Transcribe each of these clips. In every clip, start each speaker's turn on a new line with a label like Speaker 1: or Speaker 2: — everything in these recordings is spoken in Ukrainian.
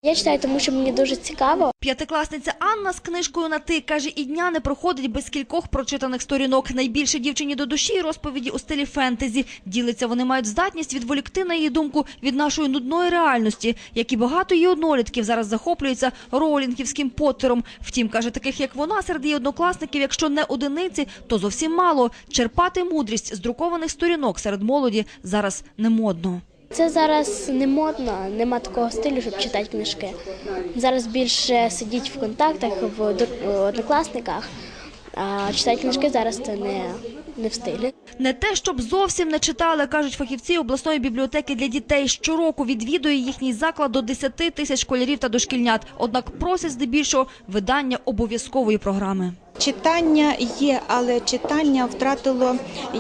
Speaker 1: Я читаю, тому що мені дуже цікаво.
Speaker 2: П'ятикласниця Анна з книжкою на «ти» каже, і дня не проходить без кількох прочитаних сторінок. Найбільше дівчині до душі розповіді у стилі фентезі. Ділиться, вони мають здатність відволікти, на її думку, від нашої нудної реальності, як і багато її однолітків зараз захоплюються роулінгівським Поттером. Втім, каже, таких як вона серед її однокласників, якщо не одиниці, то зовсім мало. Черпати мудрість з друкованих сторінок серед молоді зараз не модно.
Speaker 1: Це зараз не модно, нема такого стилю, щоб читати книжки. Зараз більше сидіть в контактах, в однокласниках, а читати книжки зараз це не в стилі.
Speaker 2: Не те, щоб зовсім не читали, кажуть фахівці обласної бібліотеки для дітей. Щороку відвідує їхній заклад до 10 тисяч школярів та дошкільнят. Однак просять здебільшого видання обов'язкової програми.
Speaker 3: Читання є, але читання втратило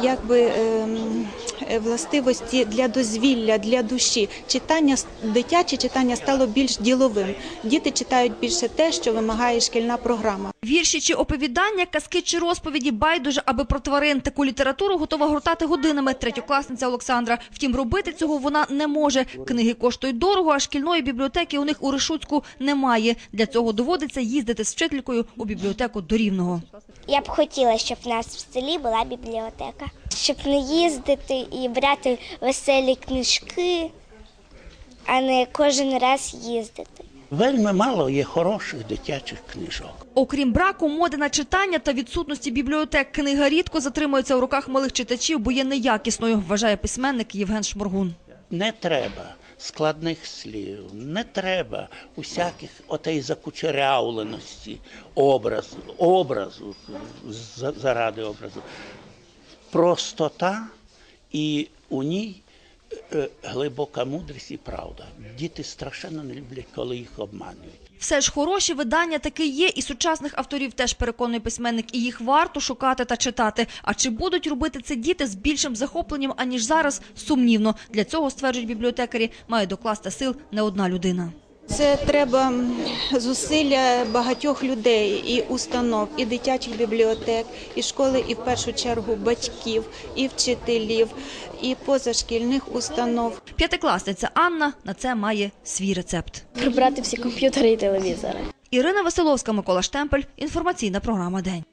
Speaker 3: властивості для дозвілля, для душі. Дитяче читання стало більш діловим. Діти читають більше те, що вимагає шкільна програма.
Speaker 2: Вірші чи оповідання, казки чи розповіді, байдуже, аби про тварин. Таку літературу готова гортати годинами третьокласниця Олександра. Втім, робити цього вона не може. Книги коштують дорого, а шкільної бібліотеки у них у Решуцьку немає. Для цього доводиться їздити з вчителькою у бібліотеку до Рівного.
Speaker 4: Я б хотіла, щоб в нас в селі була бібліотека. Щоб не їздити і брати веселі книжки, а не кожен раз їздити.
Speaker 5: Вельми мало є хороших дитячих книжок.
Speaker 2: Окрім браку моди на читання та відсутності бібліотек, книга рідко затримується у руках малих читачів, бо є неякісною, вважає письменник Євген Шморгун.
Speaker 5: Не треба складних слів, не треба усяких отей закучерявленості образу, заради образу. Простота і у ній глибока мудрість і правда. Діти страшенно не люблять, коли їх обманюють.
Speaker 2: Все ж хороші видання таки є, і сучасних авторів теж, переконує письменник, і їх варто шукати та читати. А чи будуть робити це діти з більшим захопленням, аніж зараз, сумнівно. Для цього, стверджують бібліотекарі, має докласти сил не одна людина.
Speaker 3: Це треба зусилля багатьох людей і установ, і дитячих бібліотек, і школи, і в першу чергу батьків, і вчителів, і позашкільних установ.
Speaker 2: П'ятикласниця Анна на це має свій рецепт.
Speaker 1: Прибрати всі комп'ютери і телевізори.
Speaker 2: Ірина Василовська, Микола Штемпель. Інформаційна програма «День».